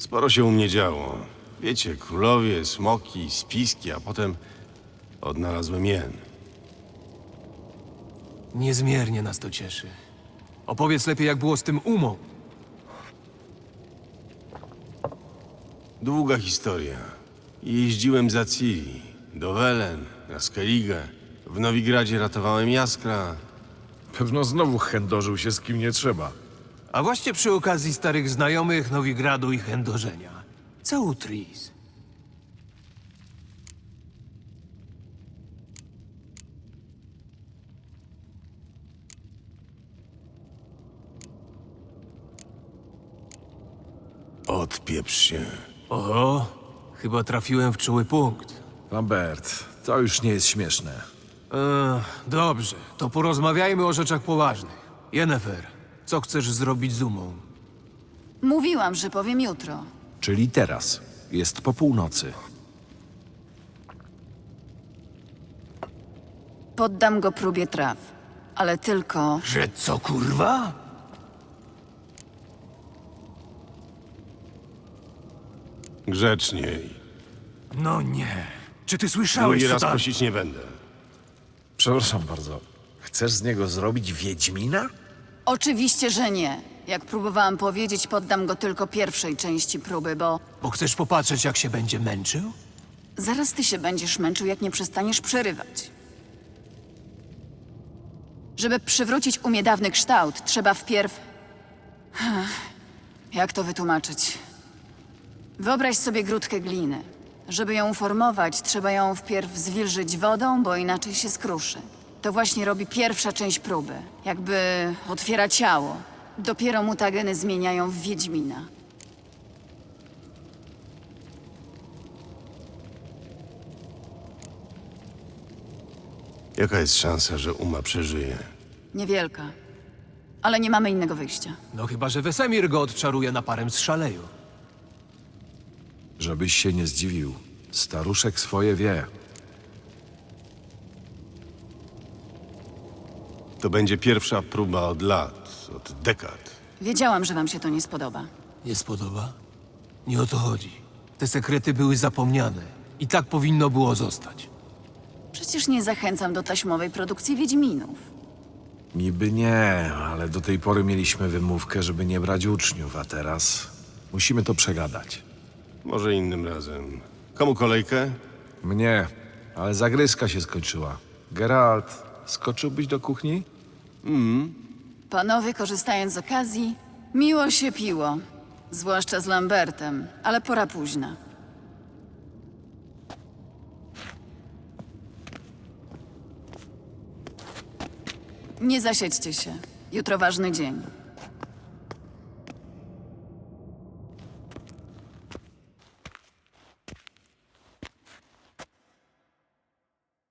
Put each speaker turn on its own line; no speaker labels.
Sporo się u mnie działo. Wiecie, królowie, smoki, spiski, a potem odnalazłem jen.
Niezmiernie nas to cieszy. Opowiedz lepiej, jak było z tym umą.
Długa historia. Jeździłem za Ciri, do Welen, na Skellige. W Nowigradzie ratowałem Jaskra.
Pewno znowu chędożył się z kim nie trzeba.
A właśnie przy okazji starych znajomych Nowigradu i chędożenia. Co u Tris?
Odpieprz się.
Oho, chyba trafiłem w czuły punkt.
Lambert, to już nie jest śmieszne.
Dobrze, to porozmawiajmy o rzeczach poważnych. Yennefer, co chcesz zrobić z umą?
Mówiłam, że powiem jutro.
Czyli teraz. Jest po północy.
Poddam go próbie traw. Ale tylko...
Że co, kurwa?
Grzeczniej.
No nie. Czy ty słyszałeś,
Drugi
co
raz
tam...
prosić nie będę.
Przepraszam bardzo. Chcesz z niego zrobić Wiedźmina?
Oczywiście, że nie. Jak próbowałam powiedzieć, poddam go tylko pierwszej części próby, bo
Bo chcesz popatrzeć, jak się będzie męczył?
zaraz ty się będziesz męczył, jak nie przestaniesz przerywać. Żeby przywrócić umie dawny kształt, trzeba wpierw... Jak to wytłumaczyć? Wyobraź sobie grudkę gliny. Żeby ją uformować, trzeba ją wpierw zwilżyć wodą, bo inaczej się skruszy. To właśnie robi pierwsza część próby. Jakby otwiera ciało. Dopiero mutageny zmieniają w Wiedźmina.
Jaka jest szansa, że Uma przeżyje?
Niewielka. Ale nie mamy innego wyjścia.
No chyba, że Wesemir go odczaruje naparem z szaleju.
Żebyś się nie zdziwił. Staruszek swoje wie.
To będzie pierwsza próba od lat, od dekad.
Wiedziałam, że wam się to nie spodoba.
Nie spodoba? Nie o to chodzi. Te sekrety były zapomniane. I tak powinno było zostać.
Przecież nie zachęcam do taśmowej produkcji Wiedźminów.
Niby nie, ale do tej pory mieliśmy wymówkę, żeby nie brać uczniów, a teraz musimy to przegadać.
Może innym razem. Komu kolejkę?
Mnie, ale zagryzka się skończyła. Geralt, skoczyłbyś do kuchni?
Panowie, korzystając z okazji, miło się piło. Zwłaszcza z Lambertem, ale pora późna. Nie zasiedźcie się. Jutro ważny dzień.